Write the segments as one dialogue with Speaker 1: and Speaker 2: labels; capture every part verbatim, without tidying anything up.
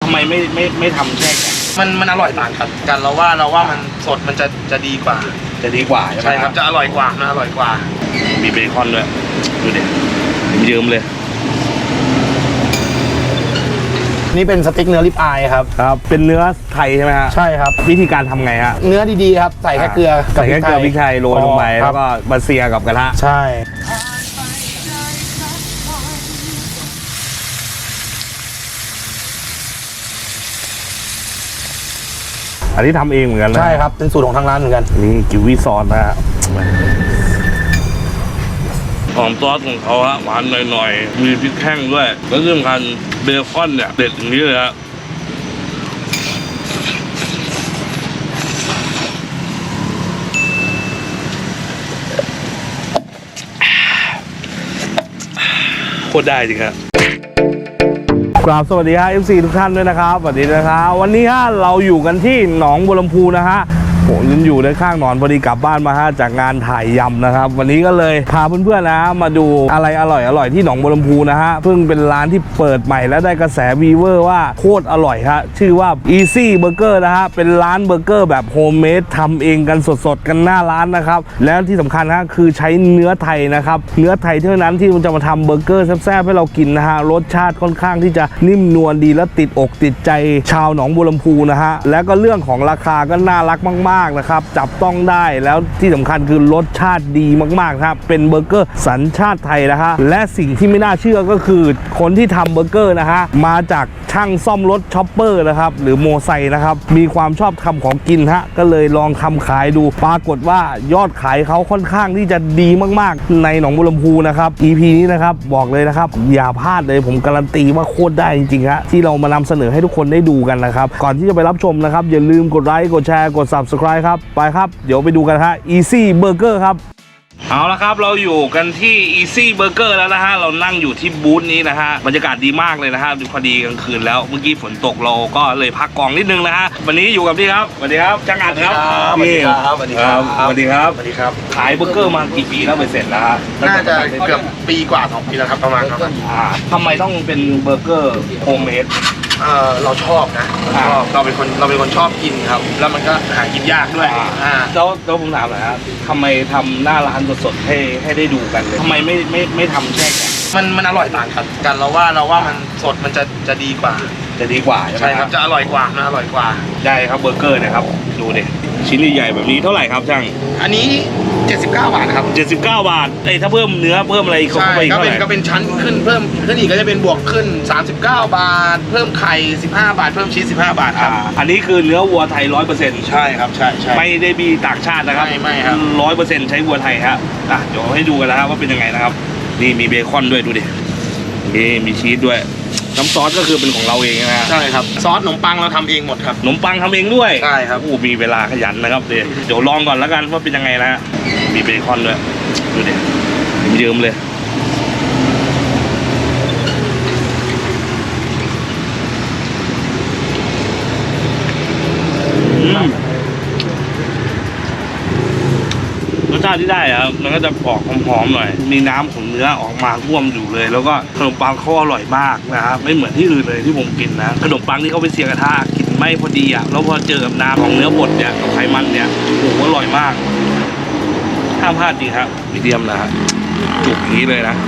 Speaker 1: ำไมไม่ไม่ไม่ทำแช่แข็ง
Speaker 2: มันมันอร่อยต่างกันกันเราว่าเราว่ามันสดมันจะจะดีกว่า
Speaker 1: จะดีกว่าใช่ไหม
Speaker 2: ใช่ครับจะอร่อยกว่านะอร่อยกว่า
Speaker 1: มีเบคอนด้วยดูเด็ดเยิ้มเลย
Speaker 3: นี่เป็นสติ๊กเนื้อริบอายครับ
Speaker 1: ครับเป็นเนื้อไทยใช่ไหมฮะ
Speaker 3: ใช่ครับ
Speaker 1: วิธีการทำไงฮะ
Speaker 3: เนื้อดีๆครับใส่แค่เกลือ
Speaker 1: ใส่แค่เกลือพริกไทยโรยลงไปแล้วก็มาเซียกับกระทะ
Speaker 3: ใช่
Speaker 1: อันนี้ทำเองเหมือนกันนะ
Speaker 3: ใช่ครับเป็นสูตรของทางร้านเหมือนกัน
Speaker 1: นี่กิววี่ซอสนะฮะหอมซอสของเขาฮะหวานหน่อยๆมีพริกแห้งด้วยแล้วที่สำคัญเบคอนเนี่ยเด็ดอย่างนี้เลยฮะโคตรได้จริงครับกราบสวัสดีฮะ เอฟ ซี ทุกท่านด้วยนะครับสวัสดีนะครับวันนี้ฮะเราอยู่กันที่หนองบัวลำพูนะฮะผมยืนอยู่ในข้างหนอนพอดีกลับบ้านมาฮะจากงานถ่ายยำนะครับวันนี้ก็เลยพาเพื่อนๆนะมาดูอะไรอร่อยอร่อยที่หนองบัวลำพูนะฮะเพิ่งเป็นร้านที่เปิดใหม่และได้กระแสวีเวอร์ว่าโคตรอร่อยฮะชื่อว่า Easy Burger นะฮะเป็นร้านเบอร์เกอร์แบบโฮมเมดทำเองกันสดๆกันหน้าร้านนะครับแล้วที่สำคัญฮะคือใช้เนื้อไทยนะครับเนื้อไทยเท่านั้นที่มันจะมาทำเบอร์เกอร์แซ่บๆให้เรากินนะฮะรสชาติค่อนข้างที่จะนิ่มนวลดีและติดอกติดใจชาวหนองบัวลำพูนะฮะแล้วก็เรื่องของราคาก็น่ารักมากๆนะครับจับต้องได้แล้วที่สำคัญคือรสชาติดีมากๆครับเป็นเบอร์เกอร์สัญชาติไทยนะฮะและสิ่งที่ไม่น่าเชื่อก็คือคนที่ทำเบอร์เกอร์นะฮะมาจากช่างซ่อมรถช็อปเปอร์นะครับหรือโมไซค์นะครับมีความชอบทำของกินฮะก็เลยลองทำขายดูปรากฏว่ายอดขายเขาค่อนข้างที่จะดีมากๆในหนองบัวลำพูนะครับ อี พี นี้นะครับบอกเลยนะครับอย่าพลาดเลยผมการันตีว่าโคตรได้จริงๆฮะที่เรามานำเสนอให้ทุกคนได้ดูกันนะครับก่อนที่จะไปรับชมนะครับอย่าลืมกดไลค์กดแชร์กด ซับสไครบ์ ครับไปครับเดี๋ยวไปดูกันฮะ Easy Burger ครับเอาละครับเราอยู่กันที่ Easy Burger แล้วนะฮะเรานั่งอยู่ที่บูธนี้นะฮะบรรยากาศดีมากเลยนะฮะพอดีกลางคืนแล้วเมื่อกี้ฝนตกเราก็เลยพักกองนิดนึงนะฮะวันนี้อยู่กับพี่ครับสวัสดีครับจังอัดครับ
Speaker 2: สวัสดีครับสวัสดีครับ
Speaker 1: สวัสดีครับ
Speaker 2: สวัสดีครับ
Speaker 1: ขายเบอร์เกอร์มากี่ปีแล้วไปเสร็จแล้ว
Speaker 2: น่าจะเกือบปีกว่าสองปีแล้วครับประมาณครับ
Speaker 1: ทำไมต้องเป็นเบอร์เกอร์โฮมเมด
Speaker 2: เออเราชอบนะเราชอบเราเป็นคนเราเป็นคนชอบกินครับแล้วมันก็หากินยากด้วย
Speaker 1: อ่าแล้วแล้วผมถามหน่อยครับทำไมทำหน้าร้านสดๆให้ให้ได้ดูกันเลยทำไมไม่ไม่ไม่ทำแช่แข็ง
Speaker 2: มันมันอร่อยต่างกันกันเราว่าเราว่ามันสดมันจะจะดีกว่า
Speaker 1: จะดีกว่าใช่ไหม
Speaker 2: ใช่ครับจะอร่อยกว่านะอร่อยกว่า
Speaker 1: ได้ครับเบอร์เกอร์นะครับดูดิชิ้นใหญ่ๆแบบนี้เท่าไหร่ครับช่าง
Speaker 2: อันนี้เจ็ดสิบเก้าบาทครับ
Speaker 1: เจ็ดสิบเก้าบาทไอ้ถ้าเพิ่มเนื้อเพิ่มอะไรเข้าไป
Speaker 2: ก็เป็นก็เป็นชั้นขึ้นเพิ่มขึ้นอีกก็จะเป็นบวกขึ้นสามสิบเก้าบาทเพิ่มไข่สิบห้าบาทเพิ่มชีสสิบห้าบาทครับ
Speaker 1: อันนี้คือเนื้อวัวไทย ร้อยเปอร์เซ็นต์
Speaker 2: ใช่ครับใช่ใช่
Speaker 1: ไม่ได้มีต่างชาตินะครับ
Speaker 2: ไม่ไม่ครับ
Speaker 1: ร้อยเปอร์เซ็นต์ ใช้วัวไทยครับอ่ะเดี๋ยวให้ดูกันนะครับว่าเป็นยังไงนะครับนี่มีเบคอนด้วยดูดินี่มีชีสด้วยน้ำซอสก็คือเป็นของเราเองนะ
Speaker 2: ใช่ครับซอสขนมปังเราทำเองหมดครับ
Speaker 1: ขนมปังทำเองด้วย
Speaker 2: ใช่ครับ
Speaker 1: โอ้มีเวลาขยันนะครับเดี๋ยวเดี๋ยวลองก่อนแล้วกันว่าเป็นยังไงนะมีเบคอนด้วยดูดิเยิ้มเลยรสชาติที่ได้ครับมันก็จะออกหอมๆหน่อยมีน้ำของเนื้อออกมาร่วมอยู่เลยแล้วก็ขนมปังเขาอร่อยมากนะครับไม่เหมือนที่อื่นเลยที่ผมกินนะขนมปังที่เขาไปเสียกระทะกินไม่พอดีอ่ะแล้วพอเจอกับน้ำของเนื้อบดเนี่ยกับไขมันเนี่ยโอ้โหอร่อยมากห้ามพลาดจริงครับมีเดียมนะฮะจุกนี้เลยนะ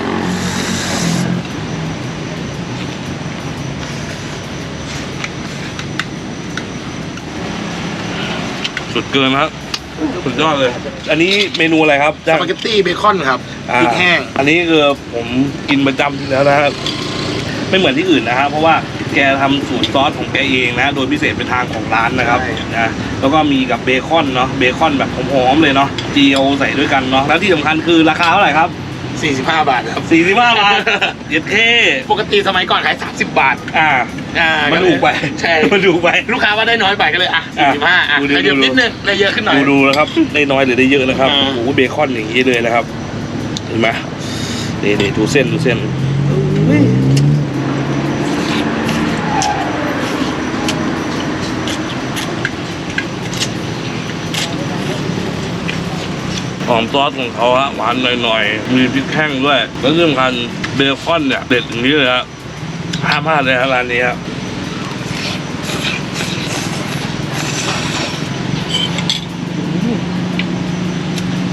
Speaker 1: สุดเกินครับสุดยอดเลยอันนี้เมนูอะไรครับ
Speaker 2: สปาเกตตี้เบคอนครับพริกแห้ง
Speaker 1: อันนี้คือผมกินประจำอยู่แล้วนะครับไม่เหมือนที่อื่นนะครับเพราะว่าแกทำสูตรซอสของแกเองนะโดยพิเศษเป็นทางของร้านนะครับนะแล้วก็มีกับเบคอนเนาะเบคอนแบบหอมๆเลยเนาะเจียวใส่ด้วยกันเนาะแล้วที่สำคัญคือราคาเท่าไหร่ครับ
Speaker 2: สี่สิบห้าบาทครับ
Speaker 1: สี่สิบห้าบาทเย็ดเท่
Speaker 2: ปกติสมัยก่อนขายสามสิบบาท
Speaker 1: อ่า
Speaker 2: อ่า
Speaker 1: มันถูกไป
Speaker 2: ใช่
Speaker 1: มันถูกไป
Speaker 2: ลูกค้าว่าได้น้อยไปก็เลยอ่ะสี่สิบห้าอ่ะได้เยอะนิดนึงได้เยอะขึ้นหน่อย
Speaker 1: ดูดูนะครับได้น้อยหรือได้เยอะนะครับโอ้โหเบคอนอย่างนี้เลยนะครับเห็นไหมนี่นี่ดูเส้นดูเส้นหอมซอสของเขาฮะหวานหน่อยๆมีพริกแห้งด้วยแล้วที่สำคัญเบคอนเนี่ยเด็ดอย่างนี้เลยฮะห้ามพลาดเลยครับร้านนี้ครับ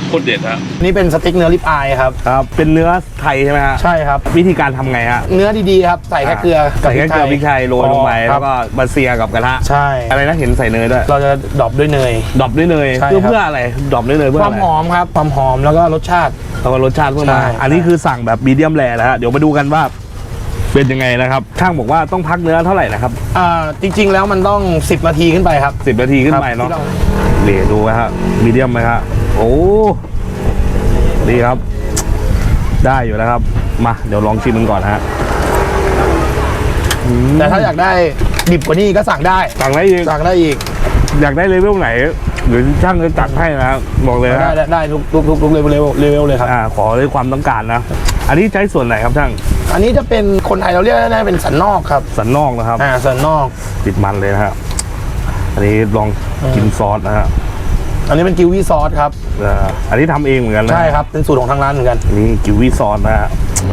Speaker 1: โคตรเด็ดฮะ
Speaker 3: นี่เป็นสเต็กเนื้อริบอายครับ
Speaker 1: ครับเป็นเนื้อไทยใช่ไหมฮะ
Speaker 3: ใช่ครับ
Speaker 1: วิธีการทำไงฮะ
Speaker 3: เนื้อดีๆครับใส่แค่เกลือ
Speaker 1: ใส่แค่เกลือพริกไทยโรยลงไป
Speaker 3: ค
Speaker 1: แล้
Speaker 3: รับ
Speaker 1: วก็มาเซียกับกระทะ
Speaker 3: ใช่
Speaker 1: อะไรนะเห็นใส่เนยด้วย
Speaker 3: เราจะดรอปด้วยเนย
Speaker 1: ดรอปด้วยเนย
Speaker 3: ใช่
Speaker 1: เพื่อ
Speaker 3: ครับ
Speaker 1: เพื่ออะไรดรอปด้วยเนยเพื่อ
Speaker 3: ควา
Speaker 1: อะ
Speaker 3: ม
Speaker 1: ไร
Speaker 3: หอมครับความหอมแล้วก็รสชาติ
Speaker 1: แล้วก็รสชาติเพิ่มมา
Speaker 3: ใช่
Speaker 1: อันนี้คือสั่งแบบมีเดียมแรนะฮะเดี๋ยวมาดูกันว่าเป็นยังไงนะครับช่างบอกว่าต้องพักเนื้อเท่าไหร่นะครับ
Speaker 3: อ่าจริงๆแล้วมันต้องสิบนาทีขึ้นไปครับ
Speaker 1: สิบนาทีขึ้นไปเนาะ
Speaker 3: ครับ
Speaker 1: เหลดูนะฮะมีเดียมไหมฮะโอ้ดีครับ ได้อยู่แล้วครับมาเดี๋ยวลองชิมมันก่อนฮะ
Speaker 3: แต่ถ้าอยากได้ดิบกว่านี้ก็สั่งได้
Speaker 1: สั่งได้อีก
Speaker 3: สั่งได้อีก
Speaker 1: อยากได้เลเวลไหนหรือช่างจะจัดให้นะครับบอกเลย
Speaker 3: ได้
Speaker 1: ฮะ
Speaker 3: ได้ได้ทุกทุกทุกทุกเลเวลเลเวลเลยครับ
Speaker 1: อ่าขอด้วยความต้องการนะ อันนี้ใช้ส่วนไหนครับช่าง
Speaker 3: อันนี้จะเป็นคนไทยเราเรียกได้เป็นสันนอกครับ
Speaker 1: สันนอกนะครับ
Speaker 3: อ่าสันนอก
Speaker 1: ติดมันเลยนะฮะอันนี้ลองกินซอสนะฮะ
Speaker 3: อันนี้เป็นกิววี่ซอสครับ
Speaker 1: เอ่ออันนี้ทำเองเหมือนกันนะ
Speaker 3: ใช่ครับเป็นสูตรของทางร้านเหมือนกัน
Speaker 1: อันนี้กิววี่ซอสนะฮะ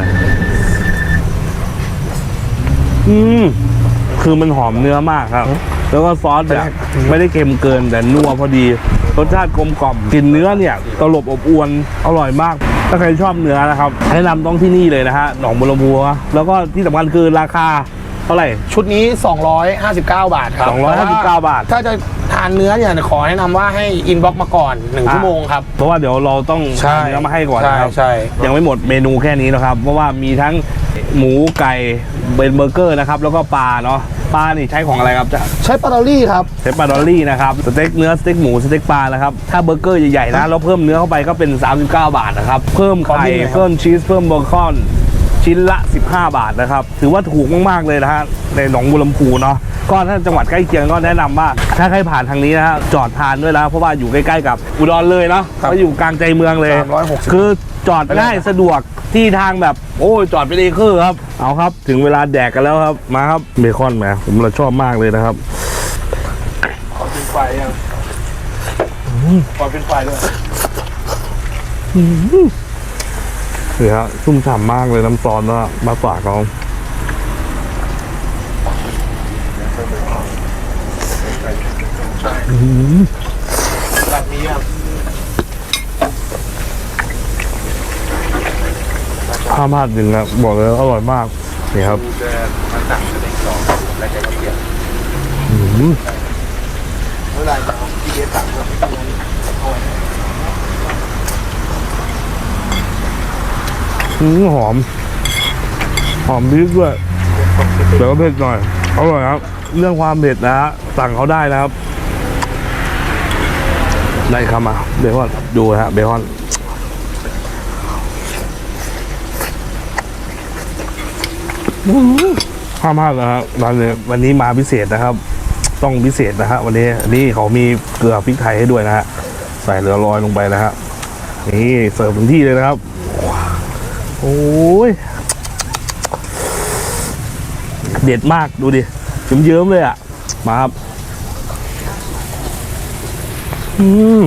Speaker 1: อืมคือมันหอมเนื้อมากครับ แล้วก็ซอสเนี่ยไม่ได้เค็มเกินแต่นัวพอดีรสชาติกลมกล่อมกลิ่นเนื้อเนี่ยตลบอบอวนอร่อยมาก ถ้าใครชอบเนื้อนะครับแนะนำต้องที่นี่เลยนะฮะหนองบัวลำพูแล้วก็ที่สำคัญคือราคาเท่าไหร่
Speaker 3: ชุดนี้สองร้อยห้าสิบเก้าบาทครับ
Speaker 1: สองร้อยห้าสิบเก้าบาท
Speaker 3: ถ้าจะทานเนื้อเนี่ยขอแนะนำว่าให้อินบ็อกมาก่อนหนึ่งชั่วโมงครับ
Speaker 1: เพราะว่าเดี๋ยวเราต้อง
Speaker 3: ใช่
Speaker 1: เนื้อมาให้ก่อนนะครับ
Speaker 3: ใช่ใช่
Speaker 1: ยังไม่หมดเมนูแค่นี้นะครับ เพราะว่ามีทั้งหมูไก่เบนเบอร์เกอร์นะครับแล้วก็ปลาเนาะปลานี่ใช้ของอะไรครับจะ
Speaker 3: ใช้ปลาดอลลี่ครับ
Speaker 1: ใช้ปลาดอลลี่นะครับสเต็กเนื้อสเต็กหมูสเต็กปลานะครับถ้าเบอร์เกอร์ใหญ่ๆนะแล้วเพิ่มเนื้อเข้าไปก็เป็นสามสิบเก้าบาทนะครับเพิ่ม
Speaker 3: ขอ
Speaker 1: ไข่
Speaker 3: บินหน่อยครับ
Speaker 1: เพิ่มชีสเพิ่มเบคอนชิ้นละสิบห้าบาทนะครับถือว่าถูกมากๆเลยนะฮะในหนองบัวลำพูเนาะก็ถ้าจังหวัดใกล้เคียงก็แนะนำว่าถ้าใครผ่านทางนี้นะฮะจอดทานด้วยแล้วเพราะว่าอยู่ใกล้ๆกับอุดรเลยเนาะก็อยู่กลางใจเมืองเลย
Speaker 3: สามร้อยหกสิบ
Speaker 1: คือจอดง่ายสะดวกที่ทางแบบโอ้ยจอดไปเลยคือครับเอาครับถึงเวลาแดกกันแล้วครับมาครับเบคอนแหมผมเราชอบมากเลยนะครับ
Speaker 3: ขอเป็นไฟยังขอเป็นไฟด้วย
Speaker 1: นี่ครับชุ่มฉ่ำมากเลยน้ำซอสนะมาฝากเขาอืม
Speaker 3: แบบนี้ครับ
Speaker 1: ห้ามพลาดจริงครับบอกเลยว่าอร่อยมากนี่ครับอืม
Speaker 3: เมื่อไหร่จะเอาที่เอสสั่ง
Speaker 1: อืมหอม หอมพริกด้วยแต่ก็เผ็ดหน่อยอร่อยครับ เรื่องความเผ็ดนะฮะสั่งเขาได้นะครับ ได้ครับมาเบคอนดูนะฮะเบคอนห้ามพลาดนะฮะร้านนี้วันนี้มาพิเศษนะครับ ต้องพิเศษนะฮะวันนี้นี่เขามีเกลือพริกไทยให้ด้วยนะฮะใส่เรือลอยลงไปนะฮะนี่เสิร์ฟถึงที่เลยนะครับโอ้ยเด็ดมากดูดิเยิ้มๆเลยอ่ะมาครับอืม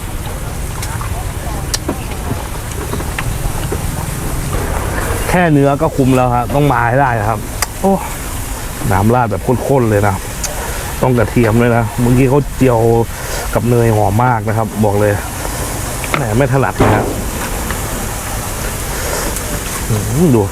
Speaker 1: แค่เนื้อก็คุ้มแล้วครับต้องมาให้ได้ครับโอ้น้ำราดแบบข้นๆเลยนะต้องกระเทียมเลยนะเมื่อกี้เขาเจียวกับเนยหอมมากนะครับ บอกเลยแหมไม่ถนัดนะครับอืมดู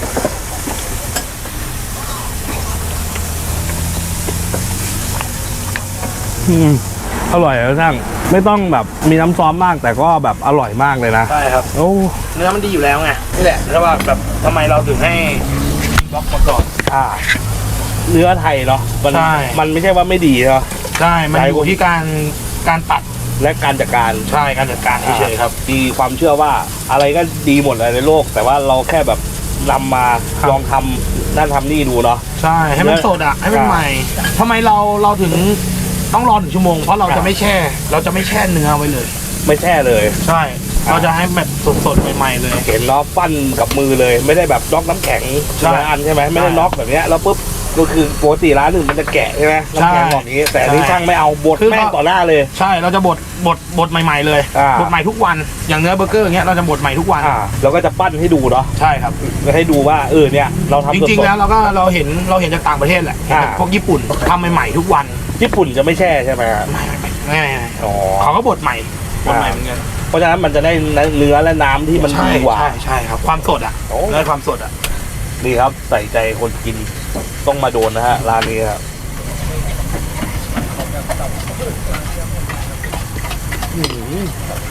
Speaker 1: อืมอร่อยนะช่างไม่ต้องแบบมีน้ำซอสมากแต่ก็แบบอร่อยมากเลยนะ
Speaker 3: ใช่ครับ
Speaker 1: โอ้
Speaker 3: เนื้อมันดีอยู่แล้วไงนี่แหละแล้วว่าแบบทำไมเราถึงให้บล็อกมาก่อน
Speaker 1: อ่าเนื้อไทยเนาะมัน
Speaker 3: ใช่
Speaker 1: มันไม่ใช่ว่าไม่ดีเนาะ
Speaker 3: ใช่มันอยู่ที่การการตัด
Speaker 1: และการจัดการ
Speaker 3: ใช่การจัดการเฉยๆครับ
Speaker 1: มีความเชื่อว่าอะไรก็ดีหมดเลยในโลก แต่ว่าเราแค่แบบนำมา
Speaker 3: ครับ
Speaker 1: ลองทำนั่นทำนี่ดูเนาะ
Speaker 3: ใช่ให้มันสดอ่ะให้มันใหม่ทำไมเราเราถึงต้องรอหนึ่งชั่วโมงเพราะเรา
Speaker 1: ครั
Speaker 3: จะ
Speaker 1: บ
Speaker 3: ไม่แช่ เราจะไม่แช่เนื้อไว้เลย
Speaker 1: ไม่แช่เลย
Speaker 3: ใช่ เราจะให้แบบสดๆใหม่ๆเลย
Speaker 1: เห็นเนาะปั้นกับมือเลย ไม่ได้แบบน็อกน้ำแข็ง
Speaker 3: ใช่
Speaker 1: ทีละอันใช่ไหมไม่ได้
Speaker 3: ใช่
Speaker 1: น็อกแบบเนี้ยแล้วปุ๊บก็คือปกติร้านอื่นมันจะแกะใช่ไหมน้ำแข็ง
Speaker 3: ใช่
Speaker 1: แบบนี้ แต่อันนี้
Speaker 3: ใช่
Speaker 1: ช่างไม่เอาบด
Speaker 3: คือ
Speaker 1: แม่ง
Speaker 3: เขา
Speaker 1: ต่อหน้าเลย
Speaker 3: ใช่เราจะบดบดบดใหม่ ๆเลย
Speaker 1: อ่า
Speaker 3: บดใหม่ทุกวันอย่างเนื้อเบอร์เกอร์อย่างเงี้ยเราจะบดใหม่ทุกวัน
Speaker 1: อ่าเราก็จะปั้นให้ดูเนาะ
Speaker 3: ใช่ครับ
Speaker 1: ให้ดูว่าเออเนี่ยเราทำ
Speaker 3: จ
Speaker 1: สดๆ
Speaker 3: ริงๆแล้วเราก็เราเห็นเราเห็นจากต่างประเทศแหละเห็นจาก
Speaker 1: อ่า
Speaker 3: พวกญี่ปุ่นทำใหม่ๆทุกวัน
Speaker 1: ญี่ปุ่นจะไม่แช่ใช่ไหมครับ
Speaker 3: ไม่ไม่ไม่ไม่ไม่
Speaker 1: อ๋อ
Speaker 3: เขาก็บดใหม่บดใหม่เหมือนกัน
Speaker 1: เพราะฉะนั้นมันจะได้เนื้อและน้ำที่มัน
Speaker 2: ใช่
Speaker 1: ดีกว่า
Speaker 2: ใช่ใช่ครับความสดอ่ะ
Speaker 1: โอ้
Speaker 2: ได้ความสดอ่ะ
Speaker 1: นี่ครับใส่ใจคนกินต้องมาโดนนะฮะร้านนี้ครับอื้อหือ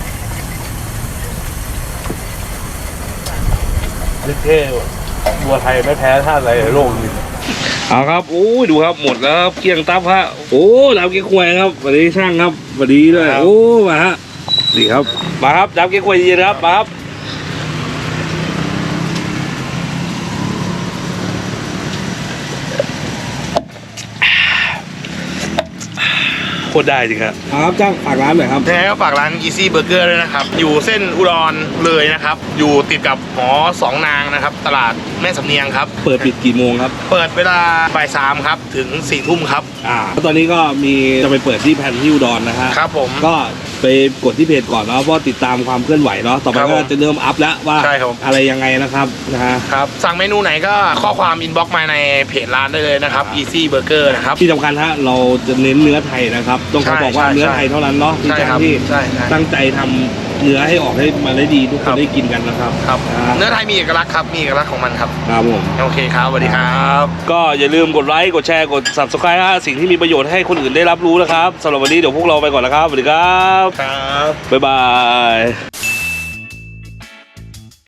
Speaker 1: เท่ๆบัวไทยไม่แพ้ท่าอะไรในโลกนี้เอาครับโอ้ยดูครับหมดแล้วครับเกลี้ยงตับฮะโอ้ดาวเก๊กควยครับสวัสดีช่างครับสวัสดีด้วยโอ้มาฮะดีครับมาครับดาวเก๊กควยเย็นครับมาครับโคตรได้จริงครับครับจ้างฝากร้านหน่อยครับ
Speaker 2: แท้ก็ฝากร้าน Easy Burger ด้วยนะครับ อยู่เส้นอุดรเลยนะครับ อยู่ติดกับหอสองนางนะครับ ตลาดแม่สำเนียงครับ
Speaker 1: เปิดปิดกี่โมงครับ
Speaker 2: เปิดเวลาบ่ายสามครับ ถึงสี่ทุ่มครับ
Speaker 1: อ่าตอนนี้ก็มีจะไปเปิดที่แพนที่อุดรนะฮะ
Speaker 2: ครับผม
Speaker 1: ก็ไปกดที่เพจก่อนเนาะเพราะติดตามความเคลื่อนไหวเนาะต่อไป
Speaker 2: ครับ
Speaker 1: ก็
Speaker 2: ผม
Speaker 1: จะเริ่มอัพแล้วว่า
Speaker 2: ใช่ครับ
Speaker 1: อะไรยังไงนะครับนะฮะ
Speaker 2: ครับ สั่งเมนูไหนก็ข้อความอินบ็อกซ์มาในเพจร้านได้เลยนะครับ Easy Burger นะครับ
Speaker 1: ที่สำคัญฮะเราจะเน้นเนื้อไทยนะครับต้องขอ
Speaker 2: ใช่
Speaker 1: บอกว่า
Speaker 2: ใช่
Speaker 1: เนื้อไทยเท่านั้นเนาะที่
Speaker 2: ใช่
Speaker 1: จ้าง
Speaker 2: ครับ
Speaker 1: ที่
Speaker 2: ใช่ใช่
Speaker 1: ตั้งใจทำเนื้อให้ออกให้มาได้ดีทุกค
Speaker 2: ครั
Speaker 1: น
Speaker 2: บ
Speaker 1: ได้กินกันนะครับ
Speaker 2: ครับ
Speaker 1: อ่า
Speaker 2: เนื้อไทยมีเอกลักษณ์ครับ มีเอกลักษณ์ของมันครับ
Speaker 1: ครับผม
Speaker 2: โอเคครับสวัสดีครับ
Speaker 1: ก็อย่าลืมกดไลค์กดแชร์กด Subscribe ฮะสิ่งที่มีประโยชน์ให้คนอื่นได้รับรู้นะครับสำหรับวันนี้เดี๋ยวพวกเราไปก่อนแล้วครับสวัสดีครับ
Speaker 2: ครับ
Speaker 1: บ๊ายบาย